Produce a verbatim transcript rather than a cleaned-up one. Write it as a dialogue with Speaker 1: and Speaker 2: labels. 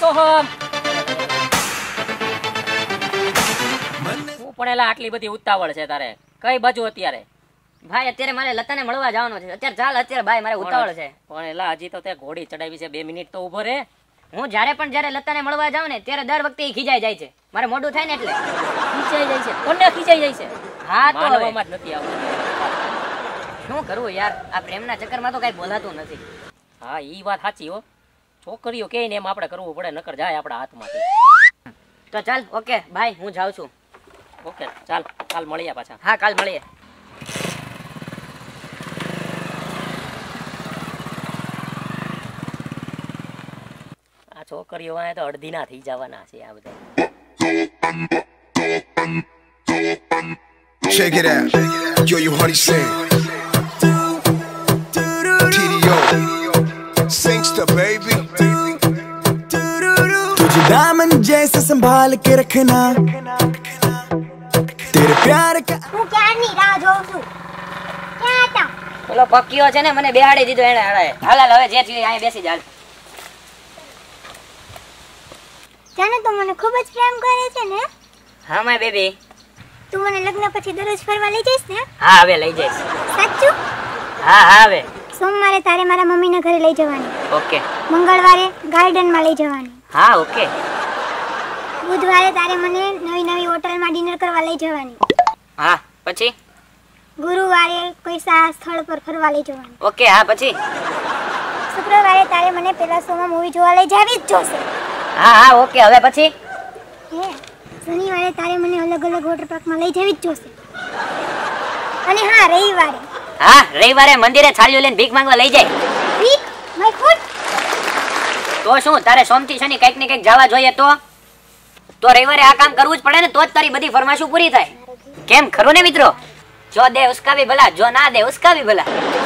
Speaker 1: સોહમ હું પણ એલા આટલી બધી ઉતાવળ છે તારે કઈ બાજુ અત્યારે?
Speaker 2: ભાઈ અત્યારે મારે લતાને મળવા જવાનું છે. અત્યારે ચાલ અત્યારે ભાઈ મારે ઉતાવળ છે.
Speaker 1: પણ એલા હજી તો તે ઘોડી ચડાવી છે, બે મિનિટ તો ઉભો રે.
Speaker 2: હું જ્યારે પણ જ્યારે લતાને મળવા જાઉં ને ત્યારે દર વખતે ઈ ખીજાઈ જાય છે. મારે મોઢું થાય ને એટલે
Speaker 1: ખીચાઈ જાય છે. કોને ખીચાઈ જાય છે?
Speaker 2: હા તો
Speaker 1: માનવામાં જ નથી આવતું.
Speaker 2: શું કરવું યાર, આ પ્રેમના ચક્કરમાં તો કઈ બોલાતું નથી.
Speaker 1: હા ઈ વાત સાચી હો. છોકરીઓ કે ને એમ આપણે કરવું પડે, નકર જાય આપણા હાથમાંથી.
Speaker 2: તો ચાલ ઓકે ભાઈ હું જાઉં છું.
Speaker 1: ઓકે ચાલ કાલ મળીએ પાછા.
Speaker 2: હા કાલ મળીએ.
Speaker 1: આ છોકરીઓ વાય તો અડધી ના થઈ જવાના છે આ બધા.
Speaker 3: Check it out. Yo, you honey sing. T D O. Singster, baby.
Speaker 4: तुझे दामन जैसे संभाल के रखना तेरे प्यार का
Speaker 5: હું ક્યારની રાહ જોઉં છું. ક્યાં હતા?
Speaker 2: પેલો પક્કીઓ છે ને મને બેહાડી દીધો એને. હાલે હાલ હાલ હવે જે થયું અહીંયા બેસી જા.
Speaker 5: જાને તું મને ખૂબ જ પ્રેમ કરે છે ને?
Speaker 2: હા માય બેબી.
Speaker 5: તું મને લગ્ન પછી દરરોજ ફરવા લઈ જઈશ ને?
Speaker 2: હા હવે લઈ જઈશ.
Speaker 5: સાચું?
Speaker 2: હા હા હવે.
Speaker 5: સોમવારે તારે મારા મમ્મીના ઘરે લઈ જવાની.
Speaker 2: ઓકે.
Speaker 5: મંગળવારે ગાર્ડનમાં લઈ જવાની.
Speaker 2: હા ઓકે.
Speaker 5: બુધવારે તારે મને નવી નવી હોટલમાં ડિનર કરવા લઈ જવાની.
Speaker 2: હા પછી?
Speaker 5: ગુરુવારે કોઈ સારા સ્થળ પર ફરવા લઈ જવાની.
Speaker 2: ઓકે હા પછી?
Speaker 5: શુક્રવારે તારે મને પેલા શોમાં મૂવી જોવા લઈ જાવી જ જોશે.
Speaker 2: હા હા ઓકે હવે પછી?
Speaker 5: હે શનિવારે તારે મને અલગ અલગ વોટર પાર્કમાં લઈ જવી જ જોશે. અને હા રવિવારે
Speaker 2: હા રવિવારે મંદિરે છાલ્યું લઈને ભીખ માંગવા લઈ જાય.
Speaker 5: ભીખ માય ફૂટ.
Speaker 2: તો શું તારે સોમથી શનિ કંઈક ને કંઈક જવા જોઈએ? તો તો રવિવારે આ કામ કરવું જ પડે ને, તો જ તારી બધી ફરમાઈશો પૂરી થાય. કેમ ખરું ને મિત્રો? જો દે ઉસકા ભી ભલા, જો ના દે ઉસકા ભી ભલા.